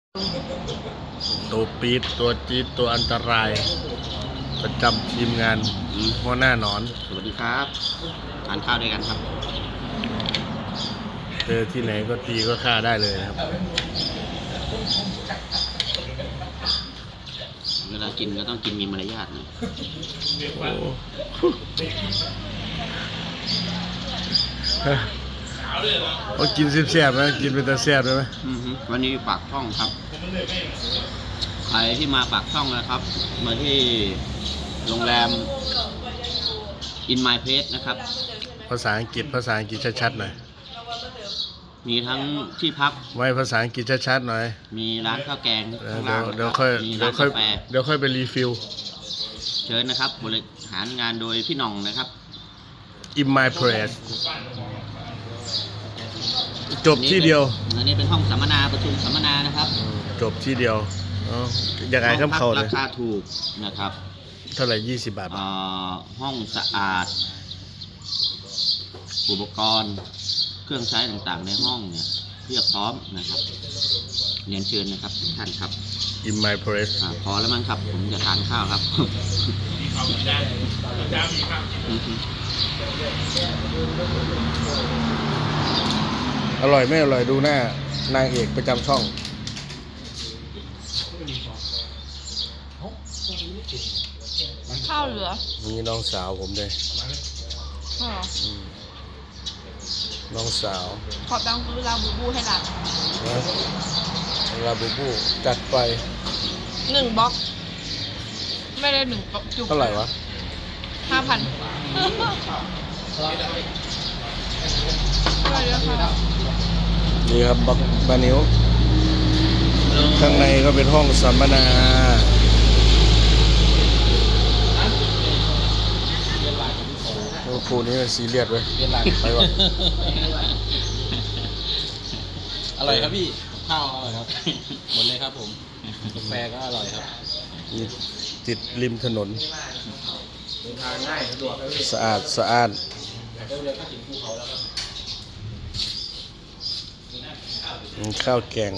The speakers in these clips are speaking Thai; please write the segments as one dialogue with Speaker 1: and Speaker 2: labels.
Speaker 1: ตัวปี๊ดตัวจี๊ดตัวอันตรายประจำทีมงานหัวหน้าหนอน
Speaker 2: สวัสดีครับทานข้าวด้วยกันครับ
Speaker 1: เจอที่ไหนก็ตีก็ฆ่าได้เลยนะครับ
Speaker 2: เวลากินก็ต้องกินมีมารยาทนะ
Speaker 1: โอ้เขากินแซ่บๆนะกินเป็นตาแซ่บได้ไหม
Speaker 2: วันนี้ปากช่องครับ ใครที่มาปากช่องนะครับ มาที่โรงแรม In My Place นะครับ
Speaker 1: ภาษาอังกฤษชัดๆหน่อย
Speaker 2: มีทั้งที่พัก
Speaker 1: ไว้ภาษาอังกฤษชัดๆหน่อย
Speaker 2: มีร้านข้าวแกงข้าง
Speaker 1: เดี๋
Speaker 2: ล่ายง
Speaker 1: วเดี๋ยวค่อย
Speaker 2: มี
Speaker 1: เดี๋
Speaker 2: ร้า
Speaker 1: ยวน ค่อย
Speaker 2: กาแฟ
Speaker 1: เดี๋ยวค่อยไปรีฟิล
Speaker 2: เชิญนะครับ บริหารงานโดยพี่หน่องนะครับ
Speaker 1: In my place จบที่เดียว
Speaker 2: อันนี้เป็นห้องสัมมนาประชุมสัมมนานะครับ
Speaker 1: จบที่เดียวอยากไงครับเขา
Speaker 2: ห้อง
Speaker 1: เล
Speaker 2: พัก
Speaker 1: ย
Speaker 2: ราคาถูกนะครับ
Speaker 1: เท่าไหร่20 บาท
Speaker 2: ห้องสะอาด อุปกรณ์เครื่องใช้ต่างๆในห้องเนี่ยเพียบพร้อมนะครับเรียนเชิญนะครับทุกท่านครับ
Speaker 1: In my place
Speaker 2: พอแล้วมั้งครับผมจะทานข้าวครับ
Speaker 1: อร่อยไม่อร่อยดูหน้านางเอกประจำช่อง
Speaker 3: ข้าวเหลือ
Speaker 1: นี่น้องสาวผมเลย
Speaker 3: อ๋อ
Speaker 1: น้องสาว
Speaker 3: ขอตังค์ซื้อลาบูบูให้หลาน
Speaker 1: นะลาบูบูจัดไป
Speaker 3: 1 บล็อก ไม่ได้1 บล็อกจุก
Speaker 1: เท่าไหร่วะ
Speaker 3: 5,000ไม่ได้ค่ะ
Speaker 1: นี่ครับบักบานิวข้างในก็เป็นห้องสัมมนาโอ้ครูนี้มันซีเรียสเว้ยไปวะ
Speaker 4: อร่อยครับพี่ ข้าวอร่อยครับ หมดเลยครับผม กาแฟก็อร่อยครับ
Speaker 1: นี่ติดริมถนน
Speaker 4: เดินทางง่ายสะดวกครับพี่
Speaker 1: สะอาดสะอาด
Speaker 4: เร็วๆก็ถึงภูเขาแล้วครับ
Speaker 1: ข้าวแกง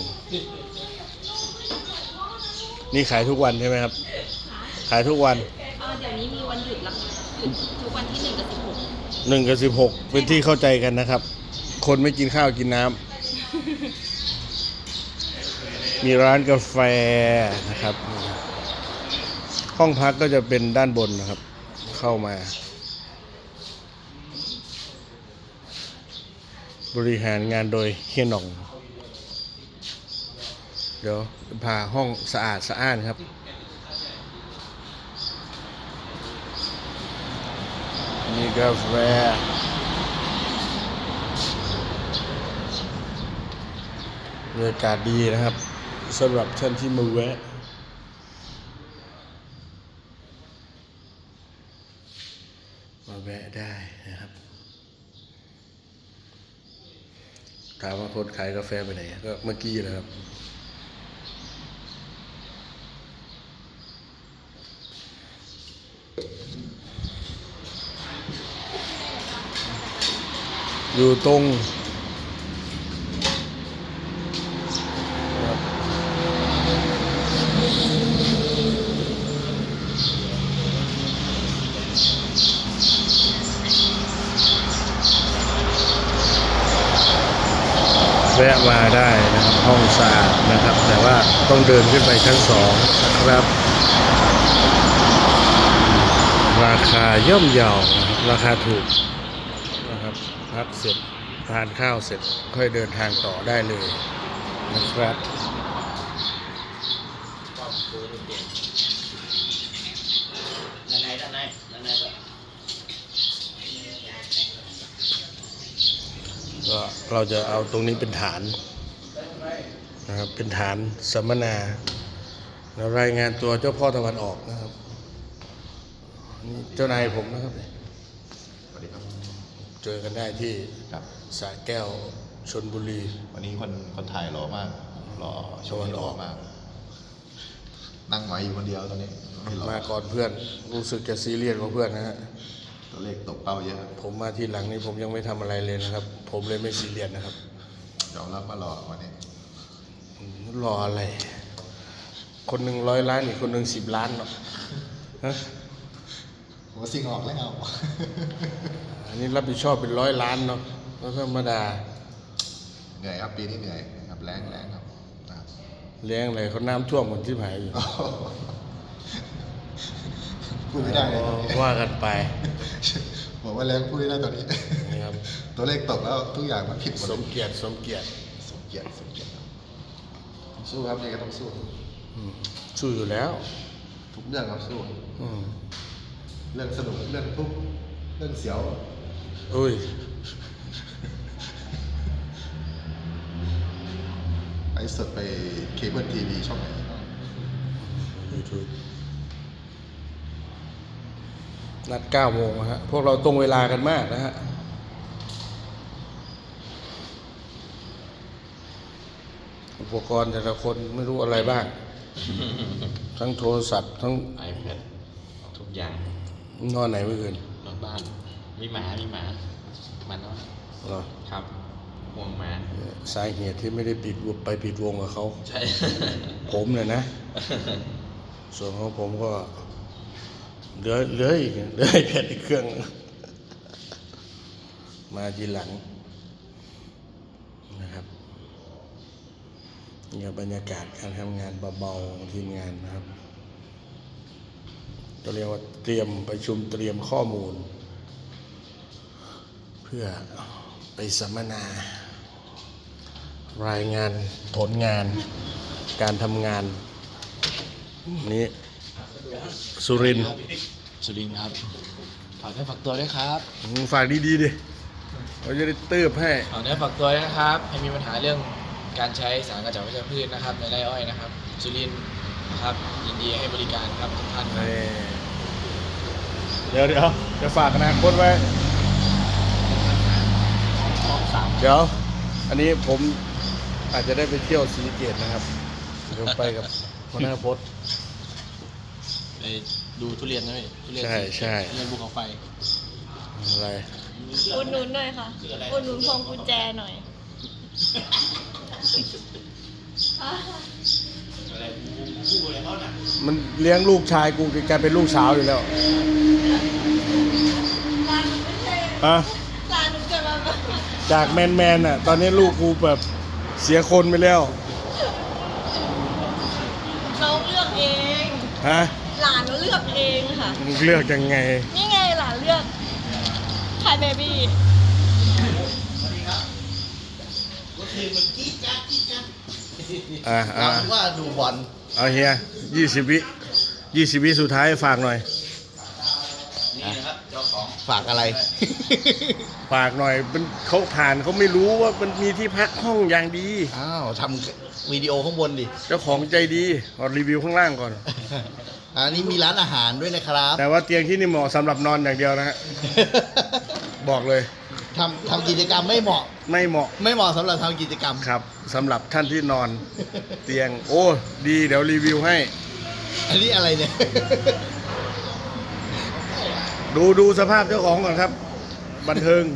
Speaker 1: นี่ขายทุกวันใช่ไหมครับ ขายทุกวัน
Speaker 3: เดี๋ยวนี้มีวันหยุดแล้วหยุดทุกวันที่1 กับ
Speaker 1: 1 กับ 16 เป็นที่เข้าใจกันนะครับ คนไม่กินข้าวกินน้ำมีร้านกาแฟนะครับ ห้องพักก็จะเป็นด้านบนนะครับ เข้ามา บริหารงานโดยเฮียหน่อง เดี๋ยวพาห้องสะอาดสะอ้านครับ มีกาแฟบรรยากาศดีนะครับสำหรับท่านที่มาแวะได้นะครับถามว่าคนขายกาแฟไปไหนก็เมื่อกี้นะครับอยู่ตรงแวะมาได้นะครับห้องสะอาดนะครับแต่ว่าต้องเดินขึ้นไปชั้น2นะครับราคาย่อมเยานะครับราคาถูกนะครับพักเสร็จทานข้าวเสร็จค่อยเดินทางต่อได้เลยนะครับก็เราจะเอาตรงนี้เป็นฐานนะครับเป็นฐานสัมมนาแล้วรายงานตัวเจ้าพ่อตะวันออกนะครับนี่เจ้านายผมนะครับ
Speaker 5: สวัสดีครับ
Speaker 1: เจอกันได้ที่
Speaker 5: ครับ
Speaker 1: สระแก้วชลบุรี
Speaker 5: วันนี้คนถ่ายหล่อมากหล่อโชว์หล่อมาก นั่งไหวอยู่คนเดียวตอนนี้ไม่หล่อ
Speaker 1: มาก่อนเพื่อนรู้สึกจะซีเรียสกว่าเพื่อนนะฮะ
Speaker 5: ตัวเลขตกเป้าเยอะ
Speaker 1: ผมมาที่หลังนี้ผมยังไม่ทำอะไรเลยนะครับ ผมเลยไม่ซีเรียสนะครับ
Speaker 5: ยอมรับมาหล่อวันนี้
Speaker 1: ผรออะไร คนหนึ่ง100 ล้านอีกคนหนึ่ง10 ล้านเนาะฮะ
Speaker 5: หัวสิ่งออกแล้ว
Speaker 1: อันนี้รับผิดชอบเป็น100 ล้านเนาะแล้วธรรมดา
Speaker 5: เหนื่อยครับปีนี้เหนื่อยครับแรงครับนะครับ
Speaker 1: เลี้ยงอะไรเขาน้ำท่วมคนที่หายอยู่
Speaker 5: พูดไม่ได้เลยตอนนี้
Speaker 1: ว่ากันไป
Speaker 5: บอกว่าแรงพูดไม่ได้ตอนนี้
Speaker 1: นี่ครับ
Speaker 5: ตัวเลขตกแล้วทุกอย่างมันผิดหมด
Speaker 1: สมเกียรติสมเกียรติ
Speaker 5: สมเกียรติครับสู้ครับนี่ก็ต้องสู้
Speaker 1: อืมสู้อยู่แล้ว
Speaker 5: ทุกเรื่องครับสู้
Speaker 1: อืม
Speaker 5: เรื่องสนุกเรื่องทุกข์เรื่องเสียว
Speaker 1: อุ้ย
Speaker 5: ไอ้สดไปเคเบิลทีวีช่องไหน
Speaker 1: YouTube นัด9 โมงนะฮะพวกเราตรงเวลากันมากนะฮะอุปกรณ์แต่ละคนไม่รู้อะไรบ้าง ทั้งโทรศัพท์ทั้ง
Speaker 2: iPad ทุกอย่าง
Speaker 1: นอนไหนเมื่อคืน
Speaker 2: นอนบ้าน มีหมามันเนาะ
Speaker 1: เหรอ
Speaker 2: ครับห่วงหมา
Speaker 1: สาเหตุที่ไม่ได้ปิดวงกับเขา
Speaker 2: ใช่
Speaker 1: ผมเลยนะ ส่วนของผมก็เหลืออีกแค่อีกเครื่อง มาทีหลังนะครับนี่บรรยากาศการทำงานเบาๆของทีมงานนะครับก็เรียกว่าเตรียมประชุมเตรียมข้อมูล เพื่อไปสัมมนา รายงานผลงานการทำงานนี้สุรินทร์
Speaker 4: สุรินทร์ครับฝากเนื้อฝากตัวด้วยครับ
Speaker 1: ฝากดีๆดิเราจะได้เติบให้
Speaker 4: ฝากเนื้อฝากตัวด้วยนะครับให้มีปัญหาเรื่องการใช้สารกระจัดวัชพืชนะครับในไร่อ้อยนะครับสุรินทร์นะครับยินดีให้บริการครับทุกท่านครับ
Speaker 1: เดี๋ยวจะฝากอนาคตไว้ เดี๋ยว อันนี้ผมอาจจะได้ไปเที่ยวศรีสะเกษนะครับเดี๋ยวไปกับหัวหน้าพจน์
Speaker 4: ไปดูทุเรียนนะพี่ทุเรียน
Speaker 1: ใช่ใช่
Speaker 4: ทุเรียนภูเขาไฟ
Speaker 1: อะไร
Speaker 3: อุดหนุนหน่อยค่ะ อุดหนุนพวงกุญแจหน่อย
Speaker 1: มันเลี้ยงลูกชายกูกลายเป็นลูกสาวอยู่แล้ว
Speaker 3: ร้านหนูไม่ใช่
Speaker 1: ฮะ
Speaker 3: ร้านหนูเกิดมาแบบ
Speaker 1: จากแมนอ่ะ ตอนนี้ลูกกูแบบเสียคนไปแล้ว
Speaker 3: น้องเลือกเอง
Speaker 1: ฮะ
Speaker 3: หลานหนูเลือกเองค่ะ
Speaker 1: มึงเลือกยังไง
Speaker 3: นี่ไงหลานเลือกคายเบบี้
Speaker 1: อ่า
Speaker 5: ว่าดูบอล
Speaker 1: เอาเฮีย20 วิสุดท้ายฝากหน่อย
Speaker 2: นี่นะครับเจ้าของ
Speaker 5: ฝากอะไร
Speaker 1: ฝากหน่อยเป็นเขาผ่านเขาไม่รู้ว่ามันมีที่พักห้องอย่างดี
Speaker 5: อ้าวทำวิดีโอข้างบนดิ
Speaker 1: เจ้าของใจดีขอรีวิวข้างล่างก่อน
Speaker 5: อันนี้มีร้านอาหารด้วยนะครับ
Speaker 1: แต่ว่าเตียงที่นี่เหมาะสำหรับนอนอย่างเดียวนะฮะ บอกเลย
Speaker 5: ทำกิจกรรมไม่เหมาะ
Speaker 1: ไม่เหมาะ
Speaker 5: ไม่เหมาะสำหรับทำกิจกรรม
Speaker 1: ครับสำหรับท่านที่นอนเตียง โอ้ดีเดี๋ยวรีวิวให้
Speaker 5: อันนี้อะไรเนี่ย
Speaker 1: ดูสภาพเจ้าของก่อนครับ บันเทิง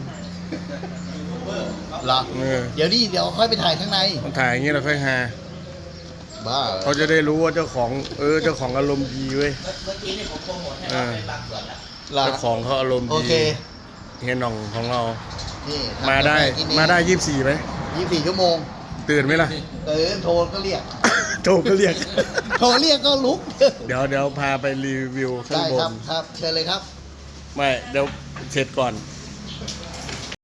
Speaker 5: เหรอ
Speaker 1: เออ
Speaker 5: เดี๋ยวค่อยไปถ่ายข้างใน
Speaker 1: ต้องถ่ายอย่างนี้เราค่อยหา
Speaker 5: บ้า
Speaker 1: เขาจะได้รู้ว่าเจ้าของเจ้าของอารมณ์ดีเว้ย
Speaker 2: เมื่อกี้นี่ผมโปรโมทให้
Speaker 1: อ่า
Speaker 2: เราไปบางส่วนแล้ว
Speaker 5: เหรอ
Speaker 1: เจ้าของเขาอารมณ์
Speaker 5: โอ
Speaker 1: ดี
Speaker 5: เค
Speaker 1: เฮียหน่องของเรา
Speaker 5: นี่ทำ
Speaker 1: มาได้
Speaker 5: กาแฟกินเอง
Speaker 1: มาได้24ไหม
Speaker 5: 24 ชั่วโมง
Speaker 1: ตื่นไหมล่ะ
Speaker 5: โทรก็เรียก
Speaker 1: โทรก็เรียก
Speaker 5: โทรเรียกก็ลุก
Speaker 1: เดี๋ยวพาไปรีวิวข้าง
Speaker 5: ได้
Speaker 1: บ
Speaker 5: ครับ
Speaker 1: น
Speaker 5: ครับ เชิญเลยครับ
Speaker 1: ไม่เดี๋ยวเสร็จก่อน